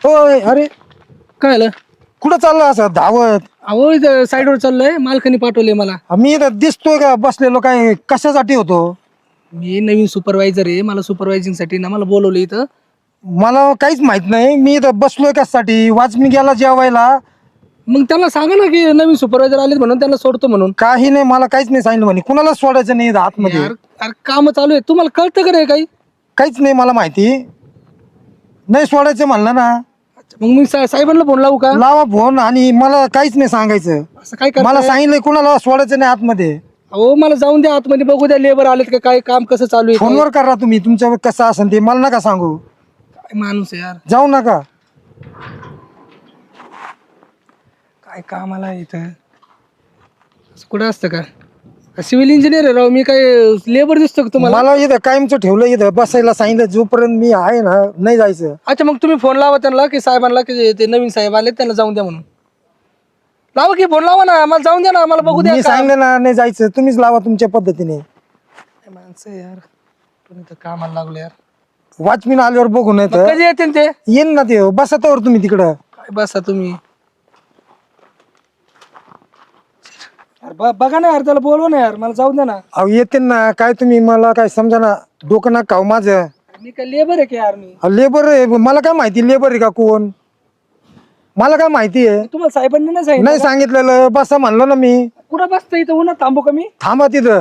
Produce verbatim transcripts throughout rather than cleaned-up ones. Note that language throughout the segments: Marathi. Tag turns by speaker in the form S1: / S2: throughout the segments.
S1: होय. अरे
S2: काय आलं?
S1: कुठं चाललं असं धावत?
S2: अहो इथं साईडवर चाललोय, मालकाने पाठवले मला.
S1: मी इथं दिसतोय का बसलेलो? काय कशासाठी होतो?
S2: मी नवीन सुपरवायझर आहे, मला सुपरवायझिंग साठी ना मला बोलवलं इथं.
S1: मला काहीच माहित नाही. मी इथं बसलोय कशासाठी? वाचमी गेला जेवायला.
S2: मग त्यांना सांगा ना की नवीन सुपरवायझर आले म्हणून त्यांना सोडतो म्हणून.
S1: काही नाही, मला काहीच नाही सांगितलं म्हणे. कुणाला सोडायचं नाही इथं आतमध्ये.
S2: यार यार काम चालू आहे, तुम्हाला कळतं का रे काही?
S1: काहीच नाही मला माहिती. नाही सोडायचं म्हणलं ना.
S2: मग मी सा- साहेबांना फोन लावू का?
S1: लावा फोन. आणि मला काहीच नाही सांगायचं.
S2: असं काय करताय?
S1: मला सांगितलंय कुणाला सोडायचं नाही आतमध्ये.
S2: अहो मला जाऊन द्या आतमध्ये, बघू द्या लेबर आलेत का, काय काम कसं चालू आहे.
S1: फोनवर करा तुम्ही, तुमच्या कसं असेल ते मला नका सांगू.
S2: काय माणूस आहे यार,
S1: जाऊ नका.
S2: काय कामाला आहे इथं. असं कुठं असतं का? सिव्हिल इंजिनियर आहे राव मी, काय लेबर दिसतो का तुम्हाला?
S1: मला इथं कायमचं ठेवलं, इथं बसायला सांगितलं. जोपर्यंत मी आहे ना नाही जायचं.
S2: अच्छा मग तुम्ही फोन लावा त्यांना की साहेबांना की ते नवीन साहेब आले त्यांना जाऊन द्या म्हणून. लावा की फोन लावा ना, मला जाऊन द्या ना, मला बघू द्या.
S1: मी
S2: काम.
S1: सांगितलं ना नाही जायचं. तुम्हीच लावा तुमच्या पद्धतीने.
S2: काय माणसं आहे यार, तुम्ही तर कामाला लागलो यार.
S1: वॉचमॅन आल्यावर बघू नाही
S2: मग
S1: तर
S2: कधी येते ते?
S1: येईन ना ते. बसा तर तुम्ही तिकडं.
S2: काय बसा तुम्ही. यार ब- बघा ना यार, त्याला बोलवा ना यार, मला जाऊ द्या ना.
S1: अहो येते ना. काय तुम्ही मला काय समजा ना. डोकं ना खाऊ माझं.
S2: मी काय लेबर आहे की यार मी?
S1: लेबर आहे. मला काय माहिती लेबर आहे का कोण? मला काय माहिती आहे?
S2: तुम्हाला साहेबांनी नाही सांगितलं
S1: नाही
S2: का?
S1: सांगितलेलं. बसा म्हणलं ना मी.
S2: कुठं बसतं इथं, उन्हात थांबू का मी?
S1: थांबा तिथं.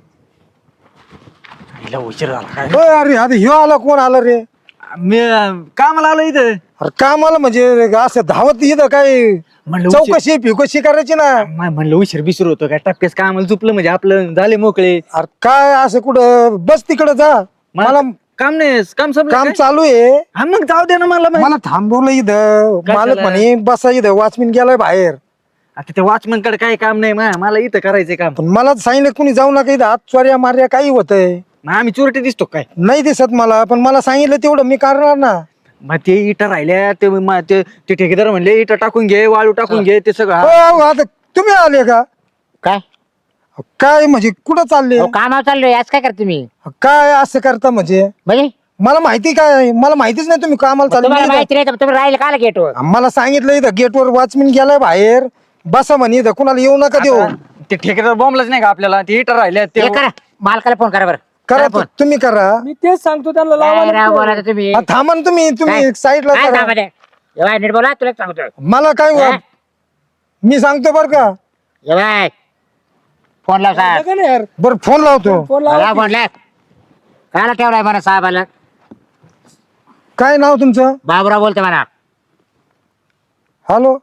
S3: उशीर झाला काय?
S1: होय. अरे अरे ह्यो आला. कोण आला रे?
S3: मी कामाला आलो इथं.
S1: अरे कामाला म्हणजे असं धावत इथं काय
S3: म्हणलं उशीर-
S1: चौकशी फिकशी करायची ना.
S3: मा- म्हणलं उशीर बिशीर होतो काय, टप्प्यास कामाला चुकलं म्हणजे आपलं झाले मोकळे.
S1: अरे काय असं कुठं? बस तिकडं जा. मला
S3: काम नाही, काम संपलं
S1: काम
S3: काय?
S1: चालू आहे.
S3: हा मग जाऊ दे ना मला माहित.
S1: मला थांबवलं इथं.
S3: काय
S1: मालक
S3: झालं?
S1: म्हणे बसा इथं. वॉचमॅन गेलाय बाहेर.
S3: आता त्या वॉचमन कडे काय काम नाही मा- मला इथं करायचंय काम.
S1: पण मला सांगितलं कुणी जाऊ नका इथं. हात चोऱ्या मार्या काही होतंय.
S3: मग आम्ही चोरटे दिसतो काय?
S1: नाही दिसत मला. पण मला सांगितलं तेवढं मी करणार ना.
S3: मग ते इटा राहिल्या ते मा- ते ते ठेकेदार म्हणले इटा टाकून घे, वाळू टाकून घे, ते सगळं.
S1: हो,
S3: हा.
S1: हो, आता तुम्ही आले का?
S4: काय
S1: काय म्हणजे कुठं चालले?
S4: अहो, कामावर चाललोय. आज काय करता तुम्ही?
S1: काय असं करता म्हणजे?
S4: म्हणजे
S1: मला माहिती काय? मला माहितीच नाही तुम्ही कामाला
S4: तुम्हाला
S1: चालले.
S4: माहिती नाही तर तुम्ही राहिले काला गेटवर?
S1: मला सांगितलं इथं गेटवर वॉचमॅन गेलाय बाहेर. बसा म्हणे इथं. कुणाला येऊ नका देऊ.
S3: ते ठेकेदार बॉम्बलाच नाही का आपल्याला, ते इटा राहिल्या ते.
S4: हे करा, मालकाला फोन करा बरं.
S1: करा
S4: फोन.
S1: तुम्ही करा.
S2: मी तेच सांगतो त्यांना, लावा
S4: काय
S2: ना
S4: राव
S2: फोन.
S4: बोलायचं तुम्ही?
S1: हा, थांबा ना तुम्ही. तुम्ही
S4: काय?
S1: साईडला
S4: काय
S1: करा.
S4: सांगा ते? ये बाय, नीट बोला, तुला सांगतो.
S1: मला काय
S4: हा?
S1: वा- मी सांगतो बर का.
S4: ये बाय, फोन लाव साहेब.
S2: बघा ना यार,
S1: बर फोन लावतो.
S2: फोन
S4: लाव
S2: लावा.
S4: फोन लाव. कायला ठेवलाय म्हणा साहेबाला?
S1: काय नाव तुमचं?
S4: बाबुराव बोलते म्हणा.
S1: हॅलो.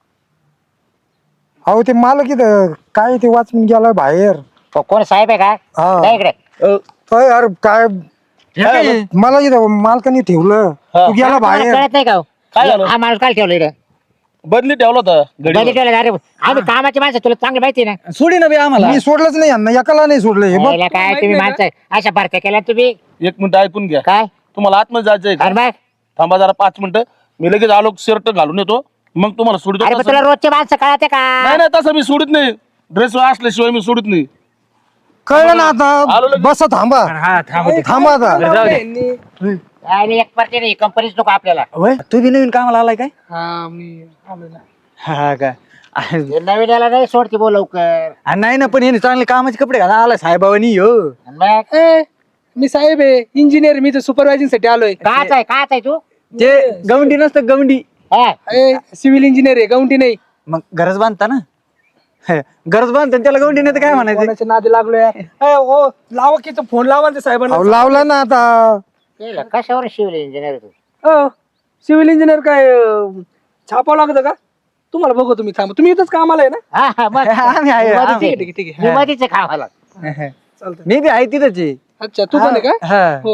S1: अहो ते मालक इथं काय ते वॉचमॅन गेलाय बाहेर.
S4: को- कोण साहेब आहे का?
S1: हा.
S4: जा इकडे.
S1: अय, अरे काय
S3: हे काय?
S1: मला इथं मालकाने ठेवलं. तू गेला
S4: तुम्हाला
S1: बाहेर.
S4: कळत नाही का हो?
S5: काय झालं?
S4: हा माणूस काय ठेवलं इकडे?
S5: बदली ठेवला होता
S4: बदली
S5: घडी
S4: ठेवलं अरे आम्ही कामाची माणसं, तुला चांगली माहिती आहे ना.
S3: सोडी ना बे आम्हाला.
S1: मी सोडलंच नाही यांना. एकाला नाही सोडलं. हे बघ.
S4: याला काय
S2: माहित
S4: तुम्ही
S2: नाही
S4: माणसं अशा भरत्या केल्या तुम्ही?
S5: एक मिनिट ऐकून घ्या.
S4: काय
S5: तुम्हाला आतमध्ये जायचंय
S4: अरे
S5: का?
S4: बाय,
S5: थांबा जरा पाच मिनिटं. मी लगेच आलो, शर्ट घालून येतो, मग तुम्हाला सोडतो.
S4: अरे पण
S5: तसं-
S4: तुला रोजचे माणसं कळते का?
S5: नाही नाही तसं मी सोडित नाही. ड्रेस असल्याशिवाय मी सोडित नाही.
S1: कळलं ना
S5: आलो
S1: आता.
S5: लगेच.
S1: बसा थांबा.
S3: हा थांब ते.
S1: थांबा आता.
S2: लावलंय
S3: जाऊ दे.
S2: यांनी.
S4: आणि एक परते नाही, कंपनीच नको आपल्याला.
S3: होय, तू बी नवीन कामाला आलाय काय?
S2: हा मी आलो ना.
S3: हा का?
S4: हे नवीन याला नाही सोडते बोल लवकर.
S3: आ, नाही ना, पण हे चांगले कामाचे कपडे घाला आला साहेबांनी हो.
S4: आणि मग
S2: ए, मी साहेब आहे, इंजिनियर. मी तर सुपरवायझिंग साठी आलोय.
S4: काच आहे, काच आहे तू?
S3: ते गवंडी नसतं गवंडी.
S4: हा.
S2: सिव्हिल इंजिनियर आहे, गावठी नाही.
S3: मग गरज बांधता ना. हे, गरज बांधता आणि त्याला गवंडी नाही तर काय म्हणायचं?
S2: कोणाच्या नादी लागलो यार. ए, ओ लावा की तो फोन लावा ना त्या साहेबांना.
S1: अहो लावला ना आता.
S4: केलं. कशावर शिवले इंजिनियर तू?
S2: हो, सिव्हिल इंजिनियर काय अं, छापावं लागतं का? तुम्हाला बघू, तुम्ही थांबा. तुम्ही इथंच कामाला आहे ना?
S4: हा, हा, मग.
S3: आम्ही आहे,
S4: मधीच
S3: आम्ही.
S4: आहे.
S2: ठीक आहे, ठीक आहे.
S4: मी मधीच आहे कामाला.
S2: चालतंय.
S3: मी बी आहे तिथंच आहे.
S2: अच्छा, तू पण आहे का?
S3: हा.
S2: हो.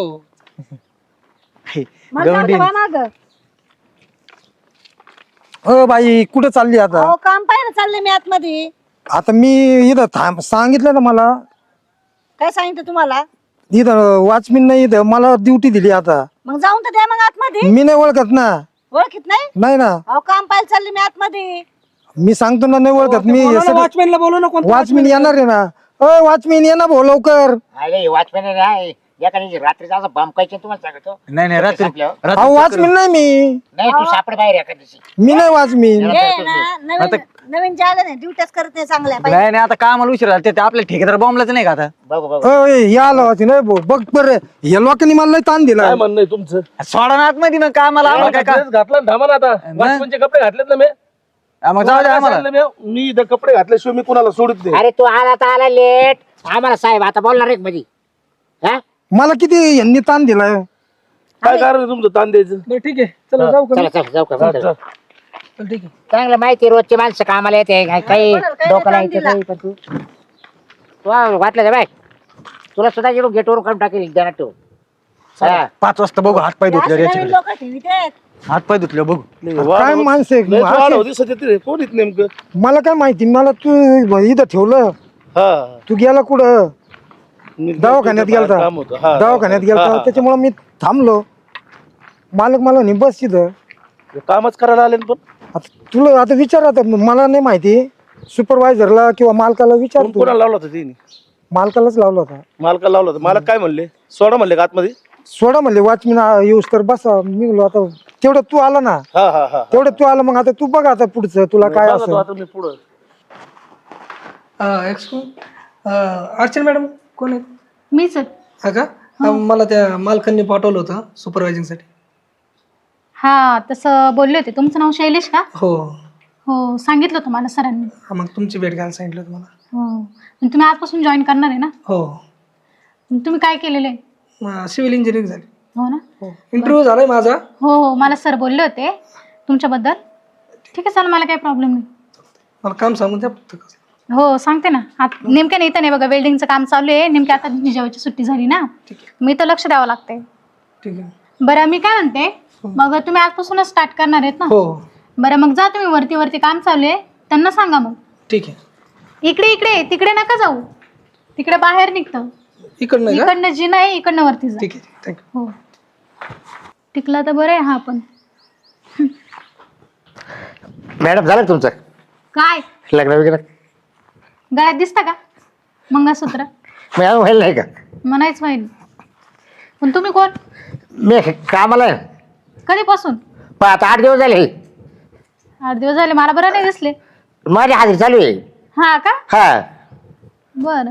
S3: गवंडी.
S1: अ बाई कुठं चालली आता?
S6: अहो काम पाहिलं चाललंय मी आतमध्ये.
S1: आता मी इथं थांब सांगितलं ना मला.
S6: काय सांगितलं तुम्हाला?
S1: इथं वॉचमॅन नाही. इथं मला ड्युटी दिली आता.
S6: मग जाऊन तर द्या मग आतमध्ये.
S1: मी नाही ओळखत ना.
S6: ओळखीत नाही?
S1: नाही ना.
S6: अहो काम पाहायला चालले मी आतमध्ये.
S1: मी सांगतो ना नाही ओळखत मी.
S2: वॉचमॅनला बोलव ना. कोणता
S1: वॉचमॅन येणार आहे ना. अ वॉचमॅन ये ना भाऊ लवकर.
S4: अरे वॉचमॅन आहे. एखादी रात्रीचा असं बमकायचे तुम्हाला सांगतो.
S3: नाही नाही रात्री
S4: संपल्यावर.
S3: रात्री
S1: अहो
S3: चक्कर-
S1: वाचमीन नाही मी
S4: नाही तू सापड बाहेर एका दिवशी.
S1: मी नाही वाचमीन
S6: हे ना नवीन नवीन जे आलं नाही ड्युट्याच करत नाही चांगल्या पाहिजे.
S3: नाही नाही आता कामाला उशीर झाला ते आपल्या ठेकेदार बॉम्बलाच नाही का आता
S4: बघू बघू.
S1: अय, हे आलं वाची नाही भाऊ. बघ बरं या लोकांनी मला लय ताण दिला
S5: काय म्हणणं आहे तुमचं?
S3: सोडा ना आतमध्ये मग कामाला आम्हाला काय
S5: ड्रेस घातला ना थांबा ना आता. वाचमनचे कपडे घातलेत ना मी.
S3: का मग जाऊ दे आम्हाला
S5: सांगितलं मी, मी इथं कपडे घातल्याशिवाय मी कुणाला सोडित नाही.
S4: अरे तू आला तर आला लेट. आम्हाला साहेब आता बोलणार रे मध्ये. हा
S1: मला किती यांनी ताण दिलाय
S5: काय कारण आहे तुमचं ताण द्यायचं?
S2: बरं ठीक आहे चला जाऊ का
S4: चला चला जाऊ का.
S5: चल, चल.
S2: चल ठीक आहे.
S4: चांगलं माहिती आहे, रोजची माणसं कामाला येते काय- काही
S6: कोणाला काय
S4: डोकं
S6: काम
S4: नाही
S6: दिला?
S4: काही पण तू तू वाटलं का बाय तुला सुद्धा गेलो गेटवर काढून टाकेल ध्यानात ठेव. हा.
S3: पाच वाजता बघू हात पाय धुतले
S6: असे नवीन लोक ठेवीत आहेत.
S3: हात पाय धुतले बघू
S5: नाही,
S1: काय
S5: वाढ होत-
S1: माणसं आहे?
S5: लय वाढ
S1: असे-
S5: होती सध्या तिथे. कोण येत नेमकं?
S1: मला काय माहिती मला तू इथं ठेवलं
S5: हा
S1: तू गेला कुठं
S5: मी
S1: दवाखान्यात
S5: तिथे
S1: गेलता
S5: काम होतं. हा,
S1: दवाखान्यात
S5: हा,
S1: गेलता
S5: हा.
S1: त्याच्यामुळे मी थांबलो मालक मला नाही बस तिथं
S5: कामच करायला आले ना पण.
S1: आता तुला आता विचार आता मला नाही माहिती सुपरवायझरला किंवा मालकाला विचार
S5: कोण-
S1: तू
S5: कोणाला लावला होता तिने?
S1: मालकालाच लावला होता
S5: मालकाला लावला होता. मालक काय म्हणले? सोडा म्हणले का आतमध्ये?
S1: सोडा म्हणले वाचमीन येऊस तर बसा मी म्हणलो आता तेवढं तू आला ना
S5: हा हा हा.
S1: तेवढं तू आला मग आता तू बघ आता पुढचं तुला काय
S5: बघा तो
S1: असं
S5: आता मी पुढं.
S2: एक्सक्यूज अर्चना मॅडम कोण आहेत?
S6: मीच आहे.
S2: हा का अं, मला त्या मालकांनी पाठवलं होतं supervising साठी.
S7: हा तसं बोलले होते. तुमचं नाव शैलेश का?
S2: हो
S7: हो सांगितलं होतं मला सरांनी.
S2: हा मग तुमची भेट घ्यायला सांगितलं तुम्हाला.
S7: हो मग तुम्ही आजपासून जॉईन करणार आहे ना?
S2: हो
S7: मग तुम्ही काय केलेलं आहे?
S2: सिव्हिल इंजिनिअरिंग झाली.
S7: हो ना?
S2: इंटरव्ह्यू झालाय माझा.
S7: हो हो मला सर बोलले होते तुमच्याबद्दल. ठीक आहे चालेल मला काही प्रॉब्लेम नाही.
S2: मला काम सांगून द्या फक्त कसं.
S7: हो सांगते ना. आता नेमक्या नाही इथं नाही बघा वेल्डिंगचं काम चालू आहे. नेमक्या आता जिजाऊची सुट्टी झाली ना मी तर लक्ष द्यावं लागते.
S2: ठीक आहे.
S7: बरं मी काय म्हणते मग तुम्ही आजपासूनच स्टार्ट करणार आहेत ना?
S2: हो
S7: बरं मग जा तुम्ही वरती वरती काम चालू आहे त्यांना सांगा मग.
S2: ठीक आहे.
S7: इकडे इकडे तिकडे नका जाऊ. तिकडे बाहेर निघतं.
S2: इकडनं का?
S7: इकडनं जी नाही इकडनं वरती जा.
S2: ठीक आहे थँक्यू.
S7: हो टिकला तर बरं आहे हा पण.
S4: मॅडम झालं का तुमचं
S7: काय
S4: लग्न वगैरे?
S7: गळ्यात दिसतं का मंगळसूत्र?
S4: मी अजून व्हायला नाही का?
S7: म्हणायच होईल. पण तुम्ही कोण?
S4: मी कामाला आहे.
S7: कधीपासून?
S4: पण आता आठ दिवस झाले.
S7: आठ दिवस झाले मला बरं नाही दिसले.
S4: माझी हाजरी चालू आहे.
S7: हा का?
S4: हा
S7: बरं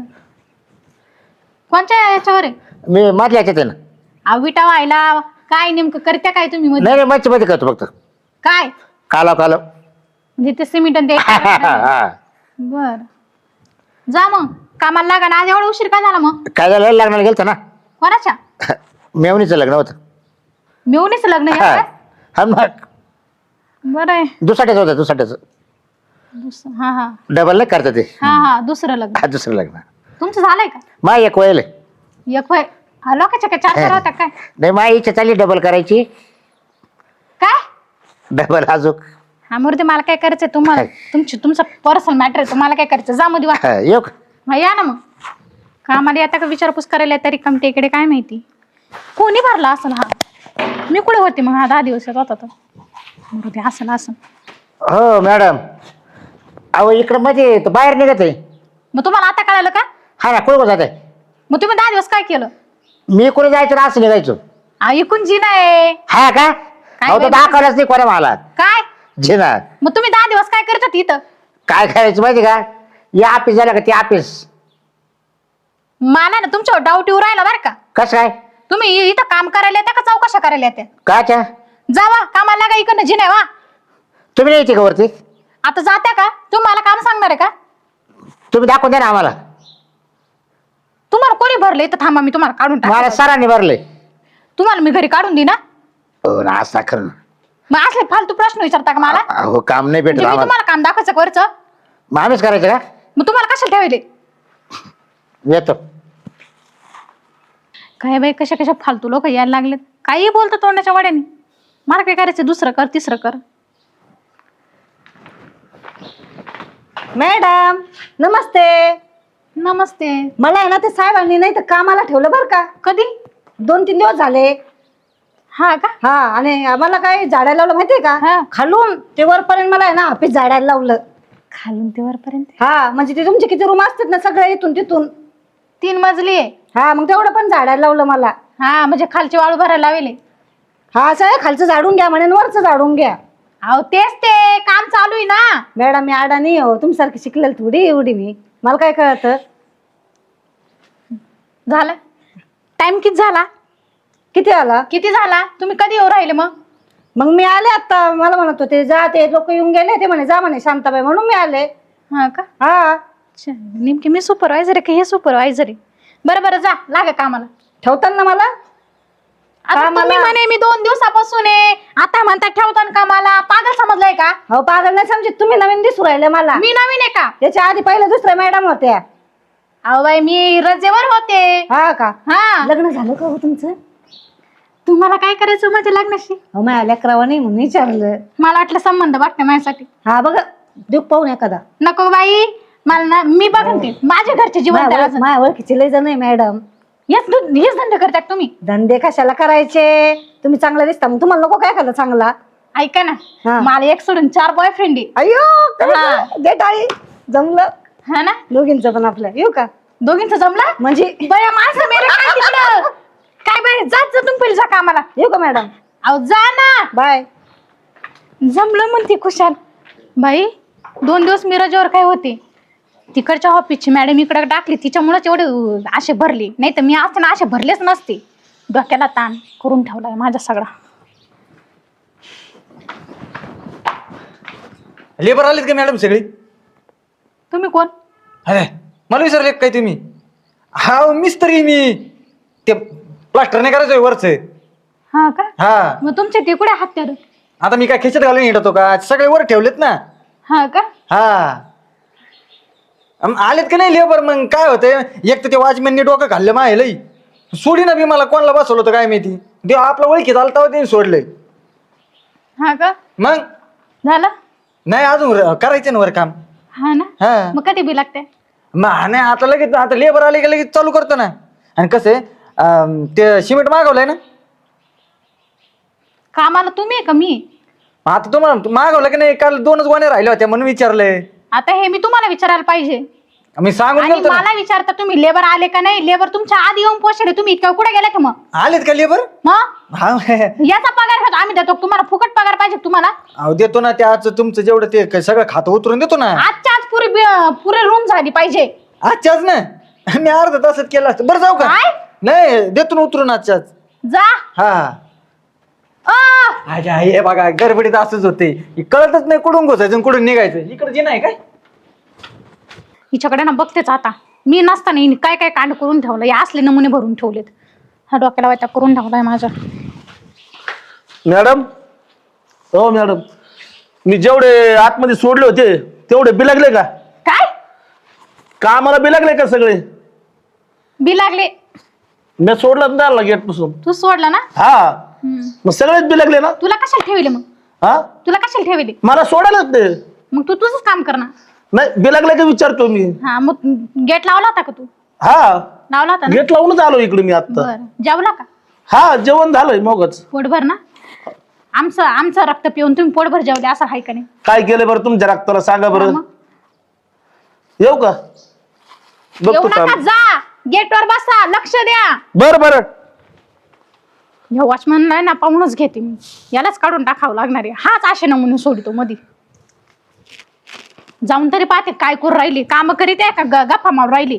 S7: कोणत्या याच्यावर आहे?
S4: मी मधल्या याच्यात आहे ना.
S7: अहो, विटा व्हायला काय नेमकं करत्या काय तुम्ही मध्ये?
S4: नाही नाही मच्छी मध्ये करतो फक्त.
S7: काय
S4: कालो कालो.
S7: म्हणजे ते सिमेंट आणि ते
S4: हा.
S7: बर जा मग कामाला लागा ना. आज एवढा उशीर का झाला मग?
S4: काय झालं लग्नाला गेलतो ना.
S7: कोणाच्या?
S4: मेवणीचं लग्न होतं.
S7: मिळूनच लग्न
S4: हा
S7: आहे?
S4: हा, मग
S7: बरं आहे.
S4: दुसाट्याचं होतं दुसाट्याचं.
S7: दुस- हा हा
S4: डबल नाही करता ते.
S7: हा हा दुसरं लग्न.
S4: हा दुसरं लग्न.
S7: तुमचं झालंय का?
S4: मा एक वयल आहे.
S7: एक होय. हा लोकांच्या काय चार चार होत्या काय?
S4: नाही मा इच्छा चालली डबल करायची.
S7: काय?
S4: डबल अजून.
S7: हा मूर्ती मला काय करायचंय तुम्हाला तुमची तुमचं पर्सनल मॅटर आहे. तुम्हाला काय करायचं जा मध्ये वा.
S4: हा, येऊ का?
S7: हा, या ना मग. कामाला येता का विचारपूस करायला तरी कमटे इकडे काय माहिती कोणी भरला असेल. हा मी कुठे होते मग हा दहा दिवस येत होता तर मूर्ती असेल असेल.
S4: हो मॅडम. अहो इकडं मध्ये तो बाहेर निघत आहे.
S7: मग तुम्हाला आता कळालं का?
S4: हा ना कुठं जात आहे?
S7: मग तुम्ही दहा दिवस काय केलं?
S4: मी कुठे जायचं ना असं निघायचो.
S7: ऐकून जी नाही
S4: हा का? अहो तो
S7: बाई
S4: दाखवलाच नाही कोणा मला.
S7: काय?
S4: जिना
S7: मग तुम्ही दहा दिवस काय करत होती इथं?
S4: काय करायचं माहिती का? या ऑफिस झालं का ते ऑफिस.
S7: मला ना तुमच्यावर डाऊट येऊ राहिला बरं का.
S4: कसं काय?
S7: तुम्ही इथं काम करायला येत्या का चौकशा करायला येत्या?
S4: काच्या?
S7: जावा कामाला लागा इकडनं जी नाही वा.
S4: तुम्ही नाही येते का वरती?
S7: आता जात्या का? तुम्ही मला काम सांगणार आहे का?
S4: तुम्ही दाखवून द्या ना आम्हाला.
S7: तुम्हाला कोणी भरले इथं? थांबा मी तुम्हाला काढून
S4: मला
S7: टाक.
S4: सरांनी भरले.
S7: तुम्हाला मी घरी काढून देईन ना.
S4: हो ना असं खरं.
S7: मग असले फालतू प्रश्न विचारता का मला?
S4: हो काम नाही भेटत
S7: म्हणजे मी
S4: आम्हाला.
S7: तुम्हाला काम दाखवायचं वरचं
S4: मग आम्हीच करायचं का?
S7: मग तुम्हाला कशाला ठेवले?
S4: येतो.
S7: काय बाई कशा कशा फालतू लोक यायला लागलेत. काही बोलतात तोंडाच्या वाड्याने. मला काय करायचं दुसरं कर तिसरं कर.
S6: मॅडम नमस्ते.
S7: नमस्ते.
S6: मला आहे ना ते साहेबांनी नाही तर कामाला ठेवलं बरं का.
S7: कधी?
S6: दोन तीन दिवस झाले.
S7: हा का?
S6: हा आणि आम्हाला काय झाडायला लावलं माहितीये
S7: हा.
S6: का? खालून ते वरपर्यंत मला आहे ना ऑफिस झाडायला लावलं.
S7: खालून ते वरपर्यंत
S6: हा म्हणजे ते तुमचे किती रूम असतात ना सगळे इथून तिथून.
S7: तीन मजली आहे.
S6: हा मग तेवढं पण झाडायला लावलं मला.
S7: हा म्हणजे खालची वाळू भरायला लावले.
S6: हा असं आहे, खालचं झाडून घ्या म्हणे वरचं झाडून घ्या.
S7: अहो तेच ते काम चालू आहे ना.
S6: मॅडम मी आडा नाही हो, तुमच्यासारखी शिकलेली थोडी एवढी मी, मला काय कळतं.
S7: झालं टाइम किती झाला?
S6: किती आला?
S7: किती झाला? तुम्ही कधी येऊ राहिले मग?
S6: मग मी आले आता, मला म्हणत होते जा, ते लोक येऊन गेले ते म्हणे जा म्हणे शांताबाई, म्हणून मी आले.
S7: हा का?
S6: हा
S7: अच्छा, नेमकी मी सुपरवायझर आहे की हे सुपरवायझर आहे? बरं बरं जा लागा कामाला.
S6: ठेवताल ना मला?
S7: आता तुम्ही म्हणे मी दोन दिवसापासून आहे, आता म्हणता ठेवताना कामाला. पागल समजलाय का?
S6: हो पागल नाही समजत तुम्ही, नवीन दिसू राहिले मला.
S7: मी नवीन आहे का?
S6: त्याच्या आधी पहिल्या दुसऱ्या मॅडम होत्या.
S7: अहो बाई मी रजेवर होते.
S6: हा का?
S7: हा.
S6: लग्न झालं का हो तुमचं?
S7: तुम्हाला काय करायचं माझ्या लग्नाशी?
S6: हो माझ्या लेकरावा नाही म्हणून विचारलं.
S7: मला वाटलं संबंध बघते माझ्यासाठी.
S6: हा बघ देऊ पाहून एखादा.
S7: नको बाई, मला ना मी बघन ते माझ्या घरचे जीवन.
S6: माझ्या ओळखीचे लय जण आहे मॅडम.
S7: हेच दु- हेच धंदे करतात तुम्ही?
S6: धंदे कशाला करायचे, तुम्ही चांगला दिसता, मग तुम्हाला नको काय एखादा चांगला?
S7: ऐका ना,
S6: हा.
S7: मला एक सोडून चार बॉयफ्रेंड आहे.
S6: अयो
S7: हा.
S6: दे टाळी, जमलं
S7: हा ना?
S6: दोघींचं पण आपलं. येऊ का?
S7: दोघींचं जमला
S6: म्हणजे
S7: बया माझं मेरे काय तिकडं काय बाई जात जा तुम्ही पहिले जा कामाला.
S6: येऊ का मॅडम?
S7: अहो जा ना.
S6: बाय.
S7: जमलं म्हणते खुशाल. बाई दोन दिवस मी रजेवर काय होते, तिकडच्या ऑफिसची मॅडम इकडे टाकली, तिच्यामुळेच एवढे असे भरले. नाही तर मी असते ना असे भरलेच नसते. डोक्याला ताण करून ठेवलाय माझा सगळा.
S3: लेबर आलेत का मॅडम सगळी?
S7: तुम्ही कोण?
S3: अरे मला विचारले काय तुम्ही? हा मिस्त्री मी, ते प्लास्टर नाही करायचंय वरच.
S7: हा का?
S3: हा
S7: मग तुमचे ते कुठे हत्यार?
S3: आता मी काय खिचत घालून येतो का? सगळे वर ठेवलेत ना.
S7: हा का?
S3: हा अम, आलेत का नाही लेबर? मग काय होतंय, एक तर ते वॉचमॅनने डोकं खाल्लं माहिलंय. सोडी ना बी मला कोणाला बसवलं होतं काय माहिती. देव आपलं ओळखीत आलं तेव्हा त्यांनी सोडलंय.
S7: हा का?
S3: मग
S7: झालं?
S3: नाही अजून र- करायचं ना वर काम.
S7: हा ना?
S3: हा
S7: मग कधी बी लागते?
S3: मग नाही आता लगेच, आता लेबर आले की लगेच चालू करतो ना. आणि कसं आहे, अं, ते सिमेंट मागवलंय ना.
S7: कामाला तुम्ही आहे का मी?
S3: आता तुम्हाला मागवलं की नाही? काल दोनच गोण्या राहिल्या होत्या म्हणून विचारलंय.
S7: आता हे मी तुम्हाला विचारायला पाहिजे
S3: मी सांगून
S7: आणि
S3: गेलतो ना.
S7: मला विचारता तुम्ही लेबर आले का नाही? लेबर तुमच्या आधी येऊन पोहोचले, तुम्ही इतक्या कुठे गेला का? मग
S3: आलेत का लेबर?
S7: मग
S3: हा
S7: याचा पगार घेतो आम्ही, देतो तुम्हाला. फुकट पगार पाहिजे तुम्हाला?
S3: अहो देतो ना. ते आज तुमचं जेवढं ते क- सगळं खातं उतरून देतो ना.
S7: आजच्या आज पुरी पुरे रूम झाली पाहिजे.
S3: आजच्याच ना. मी अर्धा तासात केलं असतं. बरं जाऊ का?
S7: काय?
S3: नाही देतो ना उतरून आजच्याच.
S7: जा.
S3: हा
S7: अ,
S3: अच्छा हे बघा गडबडीत असंच होते. हे कळतच नाही कुठून घुसायचं आणि कुठून निघायचं. इकडे जे नाही काय
S7: हिच्याकडे ना बघतेच आता. मी नसताना हिने काय काय कांड करून ठेवलं, या असले नमुने भरून ठेवलेत. हा डोक्याला वाटा करून ठेवलाय माझ्या.
S5: मॅडम, हो मॅडम, मी जेवढे आतमध्ये सोडले होते तेवढे बिलागले का?
S7: काय
S5: कामाला बिलागले का सगळे?
S7: बी लागले?
S5: मी सोडलं ना गेट पासून.
S7: तू सोडला ना?
S5: हा
S7: हम्म.
S5: मग सगळेच बिलागले ना.
S7: तुला कशाला ठेवले मग?
S5: हा
S7: तुला कशाला ठेवले?
S5: मला सोडायलाच ते
S7: मग तू तुझंच काम कर ना.
S5: नाही. बिलागले का विचारतो मी.
S7: हा मग गेट लावला होता का तू?
S5: हा
S7: लावला होता ना?
S5: गेट लावूनच आलो इकडे मी आता.
S7: बरं जेवला का?
S5: हा जेवण झालंय मगच.
S7: पोटभर ना? आमचं आमचं रक्त पिऊन तुम्ही पोटभर जेवले असं आहे का नाही?
S5: काय केलं बरं तुमच्या रक्ताला सांगा
S7: हा
S5: बरं.
S7: मग.
S5: येऊ का?
S7: येऊ
S5: बघतो
S7: नका,
S5: काम.
S7: जा गेटवर बसा, लक्ष द्या.
S5: बर बर
S7: ह्या वॉचमॅन नाही ना पाहूनच घेते मी. यालाच काढून टाकावं लागणार आहे. हाच असे नमुने सोडतो मधी. जाऊन तरी पाहते काय करून राहिली, काम करीत आहे का ग- गप्पा मारून राहिली.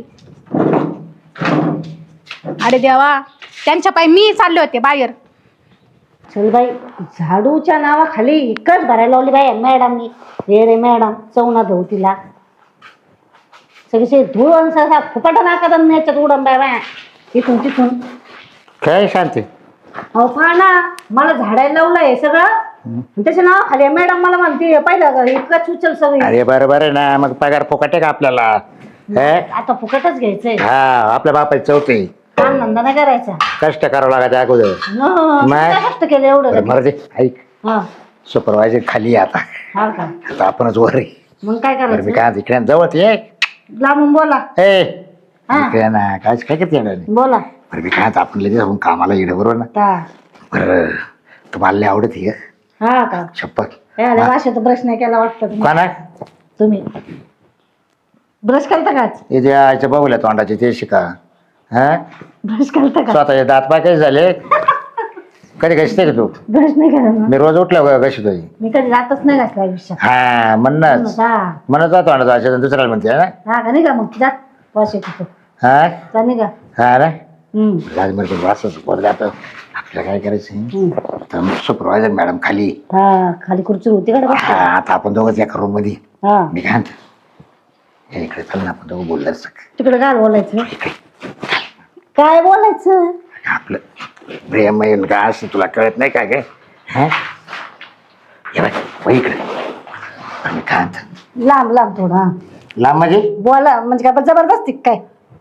S7: अरे देवा, त्यांच्या पायी मी चालले होते बाहेर.
S6: चल बाई, झाडूच्या नावाखाली इकडच भरायला लावली बाई मॅडमनी. रे रे मॅडम चवना धुऊ तिला. सगळे धूळ आणि फुपाटा नाका याच्यात उडन बाय बाय इथून तिथून.
S4: काय शांती?
S6: अहो पहा ना, मला झाडायला लावलंय सगळं. त्याच्या नावाखाली मॅडम मला म्हणते पाहिलं इतकंच उचल सगळी.
S4: अरे बरोबर आहे ना, मग पगार फुकट आहे का आपल्याला? हे?
S6: आता फुकटच घ्यायचंय.
S4: हा आपल्या बापाची चौथी.
S6: काम धंदा नाही करायचा.
S4: कष्ट करावं लागायचं अगोदर.
S6: न,
S4: नाही.
S6: काय कष्ट केलं एवढं?
S4: मरू दे. ऐक,
S6: हा
S4: सुपरवायझर खाली आहे आता.
S6: हा का?
S4: आता आपणच वर आहे.
S6: मग काय
S4: बरं मी
S6: करायचं?
S4: काय इकडे जवळ ये.
S6: लांबून बोला.
S4: ए
S6: हा.
S4: इकडे ना काय काय करते येणार नाही.
S6: बोला.
S4: बरं मी काय आपण लगेच आपण कामाला येणं बरोबर ना.
S6: ता.
S4: बरं तुम्हाला लय आवडत आहे का
S6: हा का?
S4: शपथ?
S6: याला भाषेत ब्रश नाही केला वाटतं तुम्ही.
S4: कोणा
S6: तुम्ही ब्रश करता काच?
S4: हे जे आईच्या बाबूला तोंडाचे ते शिका.
S3: हा
S6: ब्रश करता का?
S3: स्वतःचे दात पाय काही झाले कधी घसते का तू
S6: ब्रश नाही करत ना.
S3: मी रोज उठल्या घशी तुझी
S6: मी कधी जातच नाही घातला आयुष्यात.
S3: हा म्हणणंच
S6: हा
S3: म्हणत जातो आणि जायचं दुसऱ्याला म्हणते हा ना
S6: हा का नाही का मग जात वास येतो तो.
S3: हा
S6: जा नाही का?
S3: हा ना
S6: हम्म.
S3: राजमार्ग वाचच पडलं आता आपल्याला काय करायचं
S6: हम्म.
S3: तर सुपरवायझर मॅडम खाली
S6: हा खाली खुर्ची होती का रे बा?
S3: हा आता आपण दोघंच एका रूम मध्ये
S6: हा
S3: मी काय म्हणतो, हे इकडे चल ना आपण दोघं बोललं
S6: तिकडे काय बोलायचं काय बोलायचं
S3: आपलं प्रेम आहे न काय असं तुला कळत नाही काय काय हा हे बघ, वळ इकडे आम्ही काय म्हणतो
S6: लांब लांब थोडा
S3: लांब म्हणजे
S6: बोला म्हणजे काय जबरदस्ती काय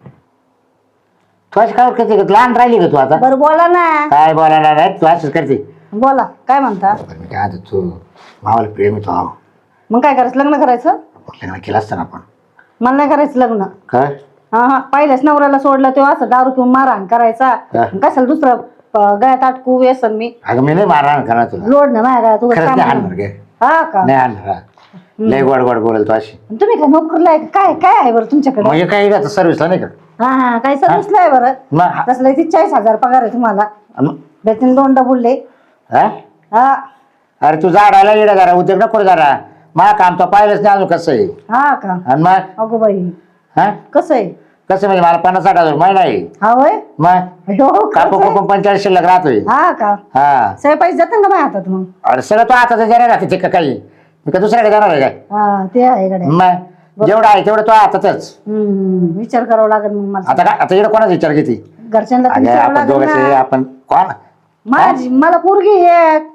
S3: तू असं काय करते का लहान राहिली का तू आता
S6: बरं बोला ना
S3: काय बोलायला नाही तू असंच करते
S6: बोला काय म्हणता
S3: बरं मी काय म्हणतो तू मावाला प्रेम येतो आहो
S6: मग काय करायचं लग्न करायचं
S3: लग्न केलं असतं ना आपण
S6: मला नाही करायचं लग्न
S3: काय
S6: हा हा पहिल्याच नवऱ्याला सोडलं तेव्हा असं दारू पिऊन मारहाण करायचा
S3: हा.
S6: कशाला दुसरं अं, गळ्यात अटकू व्यसन मी
S3: अगं मी नाही मारणार करणार तुला
S6: लोड ना माझ्या गळ्यात उगाच
S3: खरंच
S6: काम
S3: नाही
S6: करणं.
S3: हाणणार गे
S6: हा का
S3: नाही हाणणार हा. लय गोड गोड बोलेल तू अशी
S6: तुम्ही काय नोकरीला आहे का? काय काय आहे बरं तुमच्याकडे
S3: म्हणजे काय का सर्व्हिसला नाही का
S6: हा हा काय सर्विसला आहे बरं
S3: मग हा-
S6: तसलं ती चाळीस हजार पगार आहे तुम्हाला
S3: मग-
S6: बेतीन दोन डबुलले
S3: हा?
S6: हा
S3: अरे तू झाडायला येडा जरा उद्योग नको जरा मा काम तो पाहिलंच नाही अजून कसं आहे
S6: हा का
S3: आणि मग
S6: अगो बाई
S3: हा
S6: कसं आहे
S3: कसं म्हणजे मला पन्नास साठ हजार महिना आहे
S6: हा होय
S3: मग
S6: अयो,
S3: कापू
S6: खरंच आहे?
S3: कापू पंचाळीस शिल्लक राहतोय
S6: हा का
S3: हा
S6: सगळे पैसे जातात का माझ्या हातात मग
S3: अरे सगळं तो आता जरा राखते का काही मी का दुसऱ्याकडे जाणार आहे काय
S6: हा ते आहे गड्या
S3: मग जेवढं आहे तेवढं तो हातातच
S6: हम्म विचार करावा लागेल मग मला
S3: आता काय आता इकडे कोणाचा विचार घेते
S6: घरच्यांना
S3: अगं
S6: विचारावं
S3: आपण
S6: लागेल
S3: दोघं
S6: ना.
S3: आपण कोण
S6: माझी मला पोरगी एक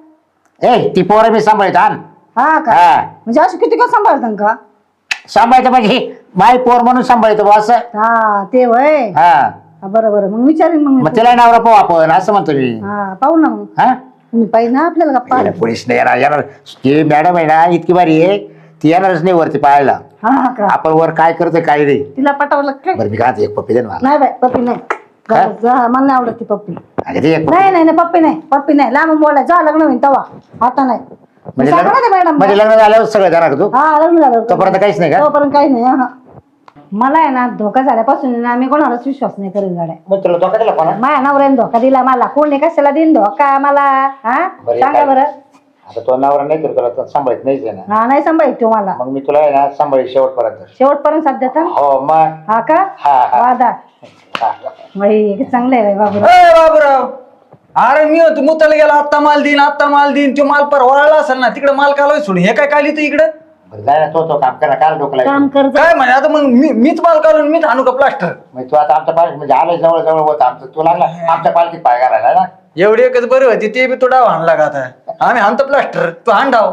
S3: ए ती पोरं मी सांभाळत आण
S6: हा का
S3: हा
S6: म्हणजे अशी किती का सांभाळतात का
S3: सांभाळतं म्हणजे माय पोर म्हणून सांभाळतो बा असं
S6: हा ते वय
S3: हा
S6: हा, बरं बरं मग विचारेन मग मी.
S3: मग तिला नवरा पाहू आपण असं म्हणतो मी
S6: हा पाहू ना मग
S3: हा
S6: मी पाहिजे ना आपल्याला गप्पा
S3: तिला पोलीस नाही येणार येणार ती मॅडम आहे ना इतकी भारी आहे ती येणारच नाही वरती पाहायला
S6: हा का
S3: आपण वर काय करतोय काय नाही
S6: तिला पटावलं काय
S3: बरं मी काय म्हणतो, एक पप्पी दे ना मला
S6: नाही बाय पप्पी नाही
S3: काय?
S6: जा, मला नाही आवडत ती पप्पी
S3: अगं ते एक पप्पी.
S6: नाही नाही नाही पप्पी नाही पप्पी नाही लांब बोलाय जा लग्न होईन तवा आता नाही
S3: म्हणजे
S6: सांगा ना ते
S3: लग्न
S6: मॅडम
S3: म्हणजे लग्न झाल्यावर सगळं जाणार का तू
S6: हा लग्न झालं
S3: तोपर्यंत काहीच नाही का?
S6: तोपर्यंत काही नाही हा मला आहे ना धोका झाल्यापासून आहे ना मी कोणालाच विश्वास नाही करेन गाड्या
S3: मग तुला धोका दिला कोणा
S6: माझ्या नवऱ्याने धोका दिला मला कोणी कशाला देईन धोका मला हा
S3: बरं,
S6: सांगा
S3: काय?
S6: बरं
S3: आता तो नवरा नाही तर तुला सांभाळत नाहीच आहे ना
S6: हा नाही सांभाळत तो मला
S3: मग मी तुला आहे ना सांभाळी शेवटपर्यंत
S6: शेवटपर्यंत साथ देता
S3: हो मग
S6: हा का
S3: हा, हा.
S6: वादा
S3: हा.
S6: बाई चांगलं आहे बाबू
S3: ए बाबूराव अरे मी होतो मुताला गेला आत्ता माल देईन आत्ता माल देईन तो माल पर वळला असेल ना तिकडे माल कालवाय सोडून हे काय काली तू इकडे जाय ना तो तो काम करा काल डोकला
S6: काम कर जा.
S3: काय म्हणजे आता मग मी मीच माल काढून मीच आणू का प्लास्टर तू आता आमच्या पालखी म्हणजे आलं जवळ जवळ होत आमचं तू लागला आमच्या पालखीत पाय घालायला ना एवढी एकच बरी होती ते बी तो डाव हाणला का आता आम्ही हाणतो प्लास्टर तू हाण डाव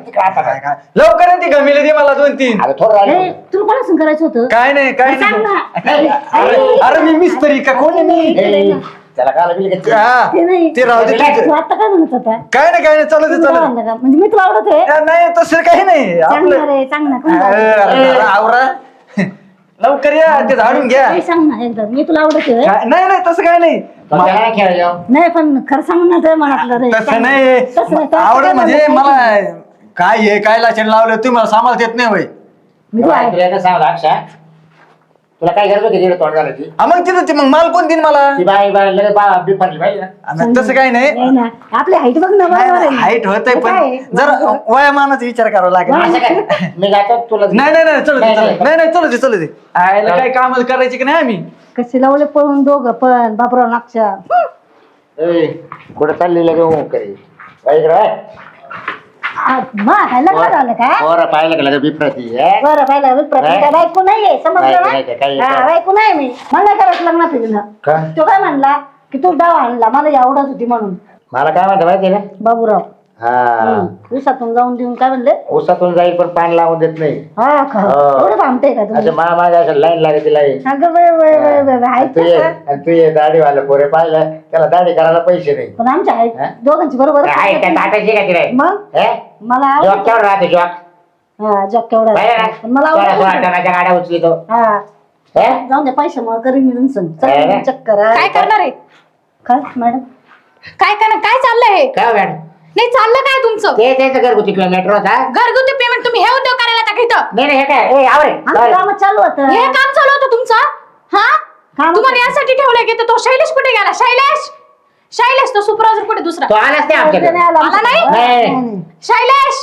S3: काय काय लवकर ती गमिले दे मला दोन तीन
S6: ए, तुला कोणासून करायचं होतं
S3: काय नाही काय
S6: सांग
S3: नाही
S6: ना.
S3: अरे अरे मी मिस्त्री का कोणी मी त्याला काय
S6: ते नाही
S3: ते राहू दे
S6: तू
S3: तुझं.
S6: आता काय म्हणत होता
S3: काय नाही काय नाही चालू दे
S6: तुला
S3: चालू
S6: आवडलं का? म्हणजे मी तुला आवडत आहे
S3: दे. नाही तसं काही नाही
S6: सांग ना
S3: आपलं
S6: रे सांग ना कोण
S3: अरे,
S6: आवडतं?
S3: अरे, अरे, आवरा लवकर या ते झाडून घ्या
S6: ए, सांग ना एकदा मी तुला आवडत आहे
S3: काय- नाही नाही तसं काय नाही
S6: नाही पण खरं सांग ना ते मनातलं रे
S3: तसं
S6: सांग ना.
S3: नाही
S6: तसं नाही, तसं
S3: आवडत
S6: काय
S3: म्हणजे
S6: म्हणत
S3: मला
S6: नाही.
S3: काय हे काय लाचण लावलं तुम्ही मला सांभाळता येत नाही वय
S6: मी तुला आहे.
S5: तुला काय गरज होती तिकडे तोंड घालायची
S3: हा, मग तिथं ते मग माल कोण देईन मला
S5: ती बाई बाई लगेच बा बिफरली पाहिजे ना
S3: हा, मग तसं काही नाही
S6: नाही ना आपली हाईट बघ ना बरोबर आहे.
S3: हाईट होत आहे
S6: काय
S3: पण
S6: आहे?
S3: जर वयामानाचा विचार करावा लागेल
S5: असं काय मी जातो तुला
S3: नाही नाही नाही चलू दे
S5: नाही,
S3: चलू दे.
S5: नाही.
S3: नाही नाही चलू दे चलू दे आयला काय कामाला करायची की नाही आम्ही
S6: कसे लावले पळून दोघं पण बापराव नागच्या
S5: ए, कुठं चालली लगे हो करी बाई इकडे बाय.
S6: काय लग्न झालं का
S5: पोरं पाहिलं का लगे बिफरती
S6: बरं पाहिलं प्रत्येक बायको नाहीये समजलं
S5: बायको नाही का? काही-
S6: ना हा, बायको नाही मी मला करायचं लग्न फिरणं
S5: का?
S6: तो काय म्हणला की तू डाव आणला मला ही आवडत होती म्हणून
S5: मला काय म्हणतं माहिती ना
S6: बाबूराव
S5: हा
S6: दिवसातून जाऊन देऊन काय म्हणले
S5: ऊसातून जाईल पण पान लावून देत नाही
S6: हा का
S5: हो.
S6: एवढं भामते का तुम्ही
S5: असं मा माझ्या असं लाईन लागते लाईन
S6: अगं बाई, बाई, बाई, बाई, बाई,
S5: तू ये
S6: ऐकतं का?
S5: आणि तू ये दाढीवाला पोरे पाहिलं त्याला दाढी करायला पैसे नाही
S6: पण आमच्या हाईट
S5: हा?
S6: दोघांची बरोबर
S5: आहे का टाकायची का तिला
S6: मग
S5: हे?
S6: मला
S5: जॉक
S6: आवडत
S5: केवढा राहतो जॉक
S6: हा जॉब केवढा
S5: पाहिलं ना?
S6: पण मला
S5: सोळा सोळा
S6: आवडत
S5: टनाच्या गाड्या उचलितो
S6: हा
S5: हे?
S6: जाऊन द्या पैशामुळे करीन मी तुमचं
S5: आहे ना?
S6: चल, चक्कर हा.
S7: काय करणार आहे
S6: काय मॅडम
S7: काय करणार काय चाललंय हे
S5: काय हो मॅडम
S7: नाही चाललं काय तुमचं
S5: ते त्याचं घरगुती किंवा मेट्रो होता
S7: घरगुती पेमेंट तुम्ही हे उद्योग करायला टाका इथं
S5: नाही नाही हे काय ए आवरे
S6: आमचं काम चालू होतं
S7: हे काम चालू होतं तुमचं हा
S6: काम
S7: तुम्हाला यासाठी ठेवलंय की तो शैलेश कुठे गेला? शैलेश शैलेश तो सुपरवायझर कुठे दुसरा
S4: तो आलाच नाही आमच्याकडे.
S7: आला नाही?
S4: नाही.
S7: शैलेश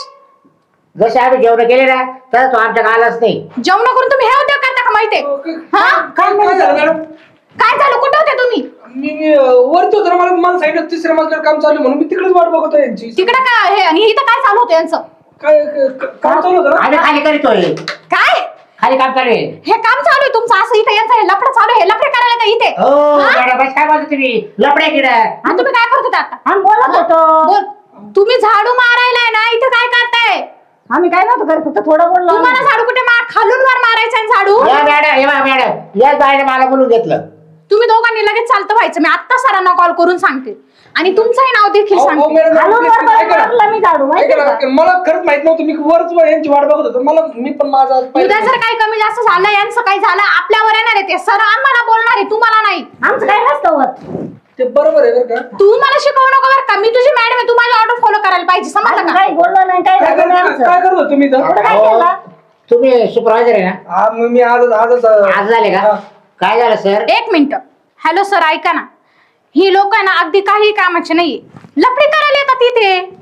S4: जसे आम्ही जेवण केले ना तर तो आमच्या आलाच नाही.
S7: जेवण करून तुम्ही हे उद्योग करता का माहितीये? हा
S2: काय काय झालं मॅडम?
S7: काय झालं? कुठे होते तुम्ही?
S2: मी मी, अं, वरती होतो ना, मला मला सांगितलं तिसऱ्या मजल्यावर काम चालू आहे म्हणून मी तिकडेच वाट बघतो यांची.
S7: तिकडे काय हे आणि इथं काय चालू होतं यांचं?
S2: काय क- क- काम चालू होतं ना?
S4: आम्ही खाली करीतोय.
S7: काय
S4: खाली काम चालू आहे.
S7: हे काम चालू आहे तुमचं? असं इथं यांचं हे लफडं चालू आहे? हे लफडे करायला का इथे?
S4: हो
S7: हा?
S4: मॅडम बस काय बोलता तुम्ही लपडे किड.
S7: आणि तुम्ही काय करत होता आता?
S6: आम्ही बोलत होतो.
S7: बोल. तुम्ही झाडू मारायलाय ना, इथं काय करताय?
S6: आम्ही काय नव्हतं करत, फक्त थोडं बोललो.
S7: तुम्हाला झाडू कुठे मार खालून वर मारायचा आहे झाडू?
S4: या मॅडम हे बघा मॅडम या बाईने मला बोलून घेतलं.
S7: तुम्ही दोघांनी लगेच चालतं व्हायचं. मी आत्ता सरांना कॉल करून सांगते आणि तुमचंही नाव देखील
S2: अहो, अहो,
S7: सांगते.
S2: मॅडम,
S6: खालून वर
S2: ऐका ना.
S6: मारलं मी झाडू, माहिती
S2: ऐका
S6: आहे
S2: ना, मला खरंच माहित नव्हतं. मी वरच यांची वाट बघत होतो. मला मी पण माझा आज
S7: उद्या
S2: पाहिलं.
S7: जर काही कमी जास्त झालं, यांचं काही झालं, आपल्यावर येणार आहे ते. सर आम्हाला बोलणार आहे, तुम्हाला नाही.
S6: आमचं काय नसतं होत.
S2: ते बरोबर आहे बरं का.
S7: तू मला शिकवू नको बरं का. मी तुझी मॅडम आहे, तू माझी ऑर्डर फॉलो करायला पाहिजे. समजलं
S6: आम्ही
S7: का?
S6: काही बोललो नाही, काय
S2: काय
S6: झालं नाही
S2: करत
S6: आमचं.
S2: काय करत होतो तुम्ही इथं?
S6: पुढं काय
S4: अहो,
S6: केलं?
S4: तुम्ही सुपरवायझर आहे ना?
S1: हा मग मी आजच आजच
S4: आज झाले का?
S1: हा.
S4: काय झालं सर?
S7: एक मिनिट. हॅलो सर, ऐका ना. ही लोक ना अगदी काही कामाचे नाहीये. लफडी करायला येतात तिथे.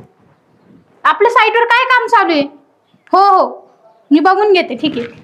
S7: आपल्या साईटवर काय काम चालू आहे? हो हो मी बघून घेते. ठीक आहे.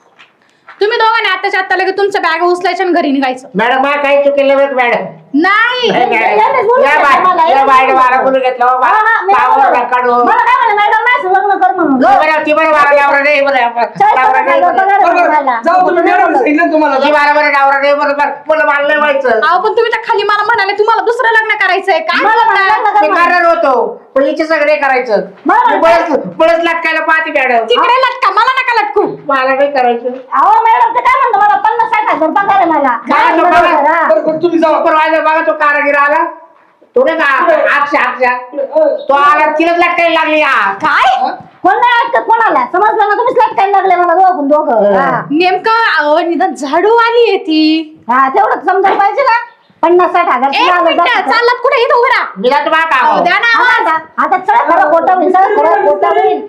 S7: तुम्ही दोघांनी आताच्या आता लगेच तुमचं बॅग उचलायचं आणि घरी निघायचं.
S4: मॅडम मला काही चुकेलं बरं मॅडम.
S7: नाही
S4: नाही, मॅडम.
S6: याने बोलू
S4: या
S6: शकता
S4: बाई-
S6: मला,
S4: या
S6: याने
S4: बाईने
S6: बोलू
S4: मला
S6: शकता.
S4: बोलून घेतलं हो,
S6: हा, हा, मी
S4: पावावर
S6: बरोबर.
S4: नका काढू.
S6: मला काय म्हणे, मॅडम माझं लग्न कर म्हणून.
S4: ती बरं ती बरं मला डावरा नाही बरं
S6: चाळीस
S4: डावरा
S6: पन्नास
S4: नाही
S6: हजार
S4: बरं.
S6: पगार आहे
S2: बरं,
S6: मला.
S2: जाऊ तुम्ही मॅडम सांगितलं तुम्हाला.
S4: ती मला बरं डावरा नाही बरोबर मला मला नाही व्हायचं.
S7: अहो पण तुम्ही तर खाली मला म्हणाले तुम्हाला दुसरं लग्न करायचंय. काय
S6: मला
S7: बोलताय?
S6: लग्न कर
S4: मी
S6: म्हणून.
S4: करणार होतो पण हिचे सगळे करायचं.
S6: मला
S4: मी बळच बळच लटकायला पाहते मॅडम.
S7: तिकडे लटका, मला नका लटकू.
S4: मला नाही करायचं.
S6: अहो मॅडम ते काय म्हणतो, मला पन्नास साठ हजार पगार आहे मला.
S4: काय तो
S6: बरोबर,
S4: पगार?
S6: हा.
S2: बरं बरं तुम्ही जावा.
S4: सुपरवायझर बघा तो कारागीर आला तो नाही का अक्षा अक्षा तो आला तिलाच लटकायला लागली या.
S7: काय
S6: कोण नाही ऐकत कोणाला, समजलं ना? तुम्हीच लटकायला लागले मला दोघं दोघं. हा.
S7: नेमकं अहो, निदान झाडू आली आहे ती.
S6: हा तेवढंच समजायला पाहिजे ना. पन्नास साठ हजार
S7: एक
S6: तुला आलं
S7: मिनिट
S6: जातं.
S7: चालत कुठे इथं उभा राहा.
S4: मी जातो बा
S7: अहो,
S4: का
S7: द्या ना आवाज.
S6: आता आता सगळं खरं खोटं होईल, सगळं खरं खोटं होईल.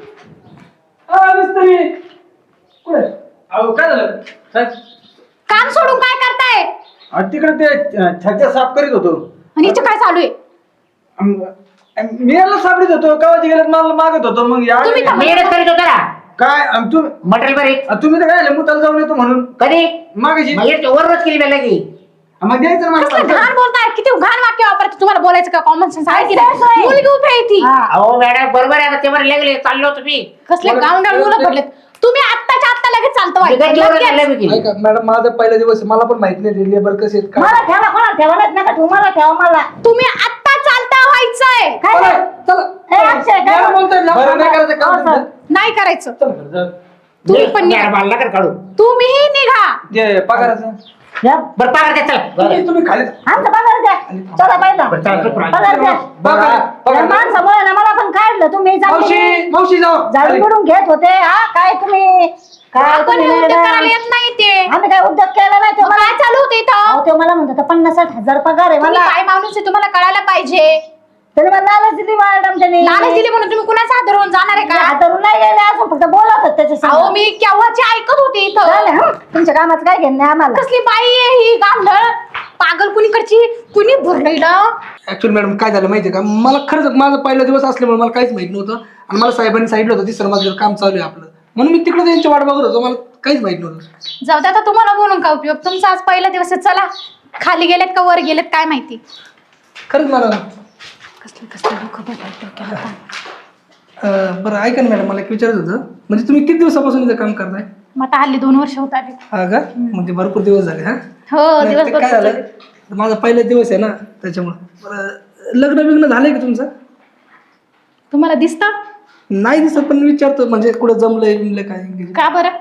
S2: अ, मिस्त्री कुठे? अहो काय झालं काय?
S7: काम सोडून काय करताय?
S3: आणि तिकडे ते अं, छज्जा साफ करीत होतो.
S7: आणि इथं काय चालू आहे?
S3: अं, मी याला सापडीत होतो कावाची गेल्यात मला मागत होतो मग या
S7: तुम्ही तर-
S4: मेहनत करीत होता ना
S3: काय अं, तू
S4: मटेरियल बरी
S3: अं, तुम्ही तर काय मुताला जाऊन येतो म्हणून
S4: कधी
S3: मागायची
S4: मग हे वर रोज केली मला की
S3: मग द्यायचं ना
S7: कसलं
S3: मला.
S7: घाण बोलताय? किती घाण वाक्य वापरते. तुम्हाला बोलायचं का? कॉमन सेन्स आहे की
S6: असं
S7: नाही?
S6: आहे.
S7: मुलगी उभी आहे ती.
S6: हा.
S4: अहो मॅडम बरोबर आहे आता ते बरं लागले चाललो तुम्ही
S7: कसले गावंडाळ मुलं पडलेत. तुम्ही आत्ताच्या आत्ता लगेच चालतं व्हायचं.
S4: चाललं
S7: लगेच.
S4: मी केली.
S2: ऐका मॅडम माझा पहिला दिवस आहे. मला पण माहित नाही लेबर कसे आहेत काय.
S6: मला ठेवा, कोणाला ठेवा नाही नका ठेवू, मला ठेवा मला.
S7: तुम्ही आत्ता चालता व्हायचंय.
S6: काय
S2: चला,
S6: नाही?
S2: चला.
S6: ए, अक्षय, काय
S2: मॅडम बोलतोय ना,
S3: बरं,
S2: नाही करायचं काम
S6: हो, सर.
S7: नाही करायचं.
S2: चला, चला.
S7: तुम्ही पण निघा.
S4: मॅडम मला नका काढू
S7: तुम्हीही निघा.
S2: जे पगाराचं
S6: या,
S4: बरं पगार द्या चला
S2: तुम्ही तुम्ही खाली
S6: आमचा पगार द्या. चला पहिला
S4: बरं, चला, सुपरवायझर.
S6: पगार द्या.
S2: बघा
S6: या
S2: पगार.
S6: माणसामुळे ना मला पण काढलं तुम्ही.
S2: मावशी मावशी जाऊ
S6: झाडू बिडून घेत होते. हा काय तुम्ही काय
S7: आपण
S6: तुम्ही
S7: हे उद्योग
S6: मॅडम?
S7: करायला येत नाही ते.
S6: आम्ही काय उद्योग केला नाही तो
S7: मग
S6: मला.
S7: काय चालू होते इथं?
S6: अहो, तो मला म्हणतो पन्नास साठ हजार पगार आहे
S7: तुम्ही
S6: मला.
S7: काय माणूस आहे तुम्हाला कळायला पाहिजे.
S6: त्याने मला लालच दिली मॅडम. त्याने
S7: लालच दिली म्हणून तुम्ही कुणाचा हात धरून जाणार आहे का?
S6: हातारून नाही गेले, अजून फक्त बोलत होते त्याच्या
S7: अहो
S6: संग.
S7: मी केव्हाची ऐकत होते इथं.
S6: झालं, हं? तुमच्या कामाचं काय घेणं आहे आम्हाला.
S7: कसली बाई आहे ही गांधळ पागल कुणीकडची कुणी भरलेलं.
S2: ऍक्च्युअली मॅडम काय झालं माहितीये का मला खरंच माझा पहिला दिवस असल्यामुळे मला काहीच माहित नव्हतं आणि मला साहेबांनी सांगितलं होतं तिसरं माझं काम चालू आहे आपलं म्हणून मी तिकडे त्यांची वाट बघत होतो मला काहीच माहित नव्हतं.
S7: जाऊ दे आता तुम्हाला बोलून काय उपयोग. तुमचा आज पहिला दिवस आहे. चला खाली गेलेत का वर गेलेत काय माहिती.
S2: खरंच मला
S7: कसले कसले लोक बदलत डोक्याला ताण.
S2: अं, बरं ऐका ना मॅडम मला एक विचारायचं होतं म्हणजे तुम्ही किती दिवसापासून इथं काम करताय?
S7: मग आता हल्ली दोन वर्ष होत आले.
S2: हा का म्हणजे भरपूर दिवस झाले हा
S7: हो
S2: नाही,
S7: दिवस
S2: ते काय
S7: भरपूर
S2: झालं
S7: झाले.
S2: माझा पहिला दिवस आहे ना त्याच्यामुळे बरं, लग्न बिग्न झालंय का तुमचं?
S7: तुम्हाला दिसत
S2: नाही दिसत पण विचारतो म्हणजे कुठं जमलंय बिमलंय काय
S7: का बरं?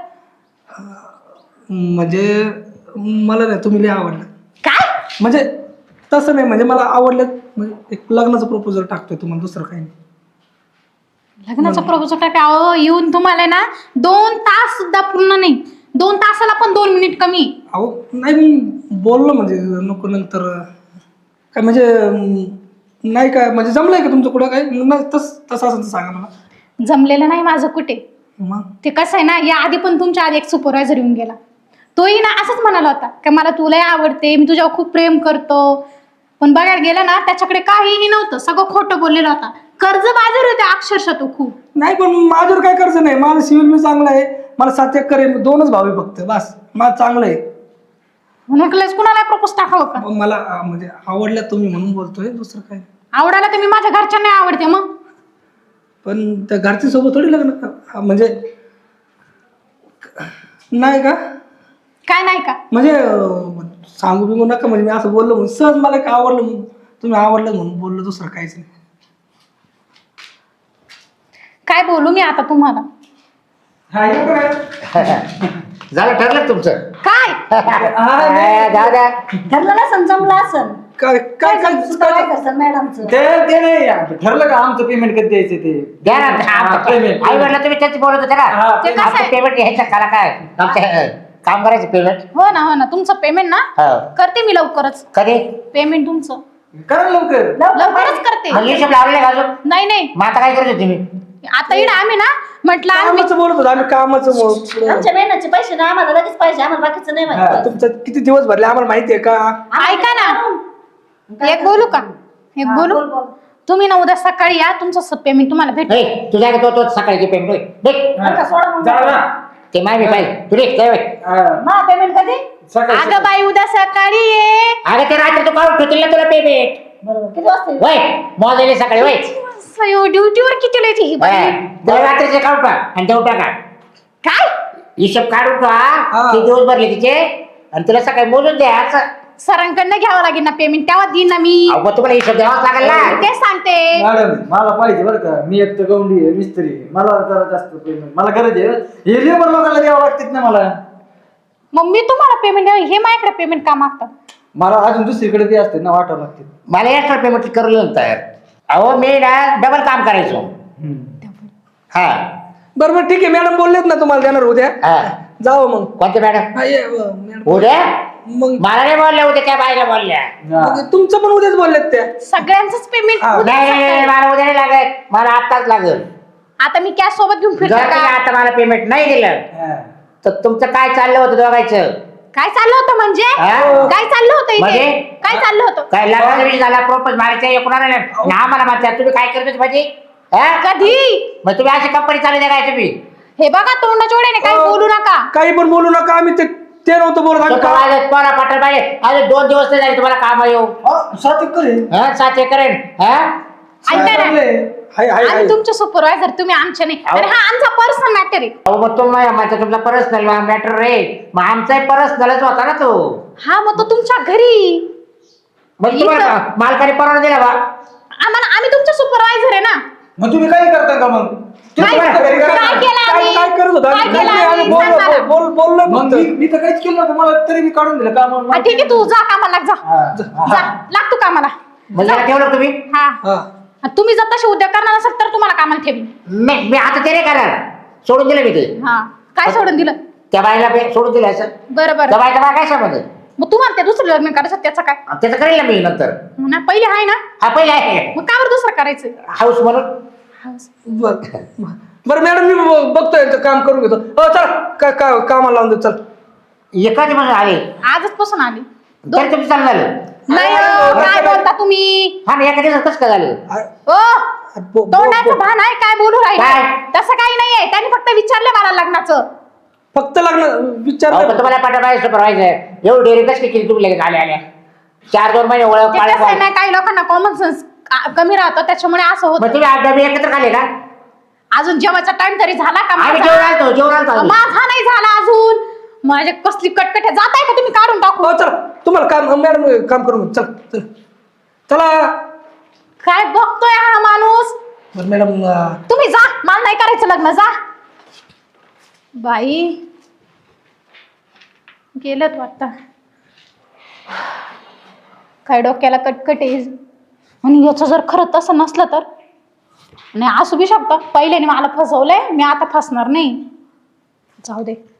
S2: म्हणजे मला नाही तुम्ही लय आवडलं
S7: काय
S2: म्हणजे तसं नाही म्हणजे मला आवडलं म्हणजे एक लग्नाचं प्रपोजल टाकतोय तुम्हाला दुसरं काही नाही.
S7: लग्नाचा प्रपोजल काय काय अहो येऊन तुम्हाला ना दोन तास सुद्धा पूर्ण नाही. दोन तासाला पण दोन मिनिट कमी.
S2: अहो नाही मी बोललो म्हणजे नको नंतर काय म्हणजे अं, नाही काय म्हणजे जमलंय का तुमचं कुठं काय नाही तस तसं असं तर सांगा मला.
S7: जमलेलं नाही माझं कुठे.
S2: मग
S7: ते कसं आहे ना या आधी पण तुमच्या आधी एक सुपरवायझर येऊन गेला. तोही ना असंच म्हणाला होता की मला तुला आवडते, मी तुझ्यावर खूप प्रेम करतो. पण बघायला गेलं ना त्याच्याकडे काहीही नव्हतं, सगळं खोटं बोललेलं होता. कर्ज बाजार होते अक्षरशः तो खूप.
S2: नाही पण माझ्यावर काय कर्ज नाही, माझं सिव्हिल मी चांगलं आहे, मला सात एकर आहे, दोनच भाव आहे फक्त, बस माझं चांगलं आहे.
S7: म्हणून कुणाला प्रपोज टाकावं का?
S2: मग मला अं, म्हणजे आवडल्या तुम्ही म्हणून बोलतोय, दुसरं काय.
S7: आवडायला तर मी माझ्या घरच्यांना आवडते मग.
S2: पण त्या घरच्या सोबत थोडी लग्न का- म्हणजे नाही का
S7: काय नाही का?
S2: म्हणजे अं, सांगू बिगू नका, म्हणजे मी असं बोललो म्हणून सहज मला काय आवडलं म्हणून, तुम्ही आवडलं म्हणून बोललो, दुसरं काहीच नाही.
S7: काय बोलू मी आता तुम्हाला?
S3: झालं ठरलं तुमचं?
S7: काय
S3: काय, दादा
S6: ठरलं ना समजमलं असं
S2: काय काय काय
S6: काय करतात मॅडमचं?
S3: ते ते नाही ठरलं का आमचं पेमेंट कधी द्यायचं ते
S4: द्या ना
S3: पेमेंट
S4: आई वडला तुम्ही त्याच बोलत होते ना,
S7: ते कसं आहे?
S4: पेमेंट घ्यायचं करा काय आमच्या काम करायचं पेमेंट.
S7: हो ना हो ना, तुमचं पेमेंट ना
S4: हो.
S7: करते मी लवकरच.
S4: कधी
S7: पेमेंट तुमचं
S3: करा लवकर.
S7: लवकरच करते.
S4: मग हिशोब लावले का अजून?
S7: नाही नाही,
S4: मग आता काय करत होती मी?
S7: आता इकडे आम्ही ना म्हटलं आम्ही
S2: कामाचं बोलत होतो आम्ही, कामाचं बोल-
S6: आमच्या मेहनतचे पैसे ना आम्हाला लगेच पाहिजे, आम्हाला बाकीचं नाही माहिती.
S2: तुमचं किती दिवस भरले आम्हाला माहिती आहे का?
S7: ऐका ना, एक बोलू का? एक बोलू.
S6: बोल, बोल.
S7: तुम्ही ना उद्या सकाळी या, तुमचं पेमेंट तुम्हाला भेटेल.
S4: ए, तुझ्या तो तो सकाळी पेमेंट
S6: बरं का, सोडा मग.
S3: जा ना.
S4: ते माय पाहिजे तुले
S3: हा.
S6: मा पेमेंट कधी?
S3: सकाळी
S7: अगं बाई उद्या सकाळी ये.
S4: अरे ते रात्री तू काढून ठेवतील ना तुला पेमेंट.
S6: बरोबर, किती वाजता येऊ?
S4: वय मोजले सकाळी वय
S7: ड्युटीवर किती लिहायची ही बाई?
S4: तुला रात्रीचे काढून टाक आणि देऊन टाका.
S7: काय
S4: हिशोब काढून ठेवा,
S2: हा.
S4: ते दिवस भरले तिचे आणि तुला सकाळी मोजून द्या असं.
S7: सरांकडनं घ्यावं लागेल ना पेमेंट, तेव्हा देईन ना मी.
S4: अहो, मग तुम्हाला हिशोब द्यावाच लागेल ना.
S7: तेच सांगते.
S3: मॅडम मला पाहिजे बरं का, मी एक तर गौंडी आहे, मिस्त्री आहे. मला जरा जास्त पेमेंट मला गरज आहे. हे लेबर लोकांना द्यावं लागतात ना मला.
S7: मग मी तुम्हाला पेमेंट हे माझ्याकडे पेमेंट का मागतात?
S3: मला अजून दुसरीकडे ते असते ना वाटावं लागते.
S4: मला एक्स्ट्रा पेमेंट करून येऊन तयार. अहो मी ना डबल काम करायचो. हा
S2: बरोबर ठीक आहे, मॅडम बोललेत ना तुम्हाला देणार उद्या,
S4: हा.
S2: जावं मग.
S4: कोणते मॅडम?
S2: हा, ये, अं, मॅडम.
S4: उद्या
S2: मग
S4: मला नाही बोलल्या, उद्या त्या बाईला बोलल्या.
S2: मग तुमचं पण उद्याच बोललेत त्या.
S7: सगळ्यांचंच पेमेंट
S2: हा.
S4: नाही नाही, नाही, मला उद्या नाही लागत, मला आत्ताच लागेल.
S7: आता मी कॅश सोबत घेऊन
S4: जर
S7: फिरते
S4: तुम्ही
S7: का?
S4: आता मला पेमेंट नाही दिलं
S3: हा.
S4: तर तुमचं काय चाललं होतं दोघायचं?
S7: काय चाललं होतं म्हणजे?
S4: हा?
S7: काय चाललं होतं
S4: म्हणजे?
S7: इथे? काय चाललं होतं?
S4: काय लग्नाचा विषय झाला, प्रोपोज मारायचं एकूणाला ना मला म्हणतात तुम्ही काय करत होते माझी? हा?
S7: कधी?
S4: मग तुम्ही अशी कंपनी चालू द्या काय तुम्ही?
S7: हे बघा तोंडाच्या ओढ्याने काही
S2: अं,
S7: बोलू नका.
S2: काही पण बोलू नका, आम्ही ते ते नव्हतं बोलत, आम्ही
S4: स्वतः
S2: का-
S4: वाजत, पोरा पाठर पाहिजे. अरे दोन दिवस नाही झाले तुम्हाला काम येऊ.
S3: अहो, सात एकर आहे.
S4: हा, सात एकर आहे. हा?
S7: ऐका ना,
S2: चांगलं आहे. हाय हाय हाय.
S7: आम्ही तुमचे सुपरवायझर, तुम्ही आमचे नाही. आणि हा आमचा पर्सनल मॅटर आहे.
S4: अहो मग तुम्ही माझा तुमचा पर्सनल मॅटर रे, मग आमचाही पर्सनलच होता ना तो.
S7: हा मग तो तुमच्या घरी.
S4: मग तुम्हाला मालकाने परवाना दिला बा.
S7: आम्हाला आम्ही तुमचे सुपरवायझर आहे ना.
S3: मग तुम्ही काय करता का मग?
S7: काय
S2: तुम्हाला घरी करा.
S7: काय केलं
S2: काय
S7: आम्ही?
S2: काय करत होतो
S7: काय
S2: आम्ही?
S7: केलं
S2: नाही, आम्ही
S7: आम्ही?
S2: बोललो
S7: सांग मला.
S2: बोल बोललो
S3: मग
S2: फक्त.
S3: मी मी तर काहीच केलं नव्हतं, मला तरी मी काढून दिलं का मग
S7: हा, ठीक आहे, तू जा कामाला लाग, जा.
S3: हा.
S7: जा लाग तू कामाला.
S4: मग याला ठेवलं तुम्ही?
S7: हा.
S2: हा.
S7: आणि तुम्ही जर तसे उद्या करणार असाल तर तुम्हाला कामाला ठेवीन.
S4: नाही मी आता ते नाही करणार, सोडून दिलं मी ते.
S7: हा. काय सोडून दिलं?
S4: त्या बाईला बे- सोडून दिलं असं.
S7: बरं
S4: त्या
S7: बरं.
S4: बाईचा मला काय समज?
S7: मग तुम्हाला ते दुसरं लग्न करायचं त्याचं काय?
S4: त्याचं करेल ना मी नंतर.
S7: हो ना, पहिले आहे ना,
S4: हा पहिला आहे
S7: मग का बरं दुसरं करायचं?
S4: हाऊस म्हणून.
S2: बर बरं मॅडम, मी ब- बघतोय यांचं काम करून घेतो. हो चल, का का- कामाला लावून दे, चल.
S4: एकाच म्हणून आले
S7: आजच पासून आली.
S4: तरी तुमचं चालू झालं.
S7: नाही हो, काय बोलता तुम्ही?
S4: हा ना, एका दिवसात कसं काय झालं?
S2: आ-
S7: ओ
S2: बो- बो-
S7: तोंडाचं भान आहे, काय बोलू
S4: काय?
S7: राहिले? तसं काही नाहीये, त्यांनी फक्त विचारलं मला लग्नाचं.
S2: फक्त लग्न
S4: अहो,
S2: विचार
S4: पण तुम्हाला पाठवायचं सुपरवायझर एवढी डेअरी कसं केली तुम्ही लगेच आल्या आल्या? चार दोन महिने ओळख
S7: ते
S4: पाळत
S7: कसं आहे ना, काही लोकांना कॉमन सेन्स कमी राहतं, त्याच्यामुळे असं
S4: मग
S7: होतं.
S4: तुम्ही आठ डबे एकत्र खाले का?
S7: अजून जेवायचा टाइम तरी झाला का
S4: आम्ही
S7: माझा?
S4: जेवण आणतो जेवण आणतो आम्ही.
S7: माझा नाही झाला अजून. माझे कसली कटकट आहे, जाताय का तुम्ही काढून टाकू?
S2: हो चल, तुम्हाला काम मॅडम काम करून घेतो. चल चल चला.
S7: काय बघतोय हा माणूस?
S2: बरं मॅडम, अं,
S7: तुम्ही जा, मला नाही करायचं लग्न, जा. बाई गेलत वाटतं. काय डोक्याला कटकट आहे. आणि याचं जर खरं तसं नसलं तर नाही असू बी शकतं. पहिल्याने मला फसवलंय, मी आता फसणार नाही. जाऊ दे.